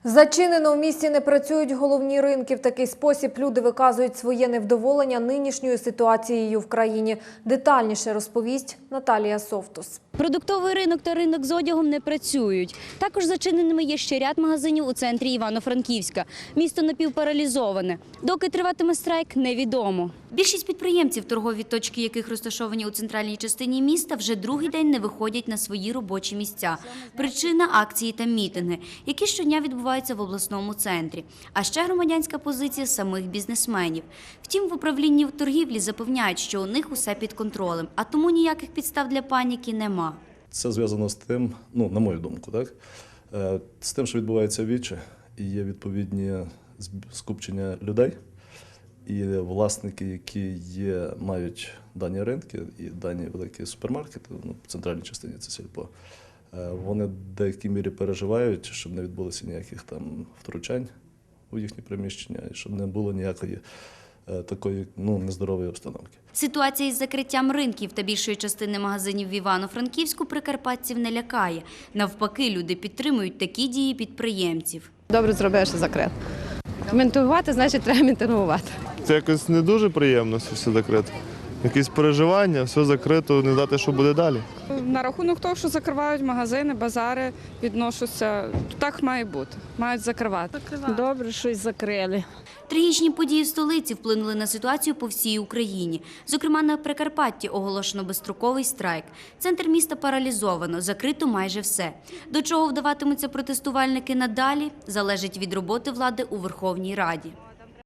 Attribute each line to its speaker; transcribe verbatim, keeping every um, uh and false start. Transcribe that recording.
Speaker 1: Зачинено в місті не працюють головні ринки. В такий спосіб люди виказують своє невдоволення нинішньою ситуацією в країні. Детальніше розповість Наталія Совтус.
Speaker 2: Продуктовий ринок та ринок з одягом не працюють. Також зачиненими є ще ряд магазинів у центрі Івано-Франківська. Місто напівпаралізоване. Доки триватиме страйк, невідомо. Більшість підприємців, торгові точки яких розташовані у центральній частині міста, вже другий день не виходять на свої робочі місця. Причина – акції та мітинги, які щодня відбуваються в обласному центрі. А ще громадянська позиція самих бізнесменів. Втім, в управлінні торгівлі запевняють, що у них усе під контролем, а тому ніяких підстав для паніки нема.
Speaker 3: Це зв'язано з тим, ну, на мою думку, так, з тим, що відбувається віче, і є відповідні скупчення людей, і власники, які є, мають дані ринки і дані великі супермаркети, ну, в центральній частині це сільпо, вони в деякій мірі переживають, щоб не відбулося ніяких там втручань у їхні приміщення, і щоб не було ніякої такої, ну, нездорової обстановки.
Speaker 2: Ситуація із закриттям ринків та більшої частини магазинів в Івано-Франківську прикарпатців не лякає. Навпаки, люди підтримують такі дії підприємців.
Speaker 4: Добре зробили, що закрили. Мітингувати, значить, треба мітингувати.
Speaker 5: Це якось не дуже приємно, що все закрито. Якісь переживання, все закрито, не знати, що буде далі.
Speaker 6: На рахунок того, що закривають магазини, базари, відношуся, так має бути, мають закривати.
Speaker 7: Добре, щось закрили.
Speaker 2: Трагічні події в столиці вплинули на ситуацію по всій Україні. Зокрема, на Прикарпатті оголошено безстроковий страйк. Центр міста паралізовано, закрито майже все. До чого вдаватимуться протестувальники надалі, залежить від роботи влади у Верховній Раді.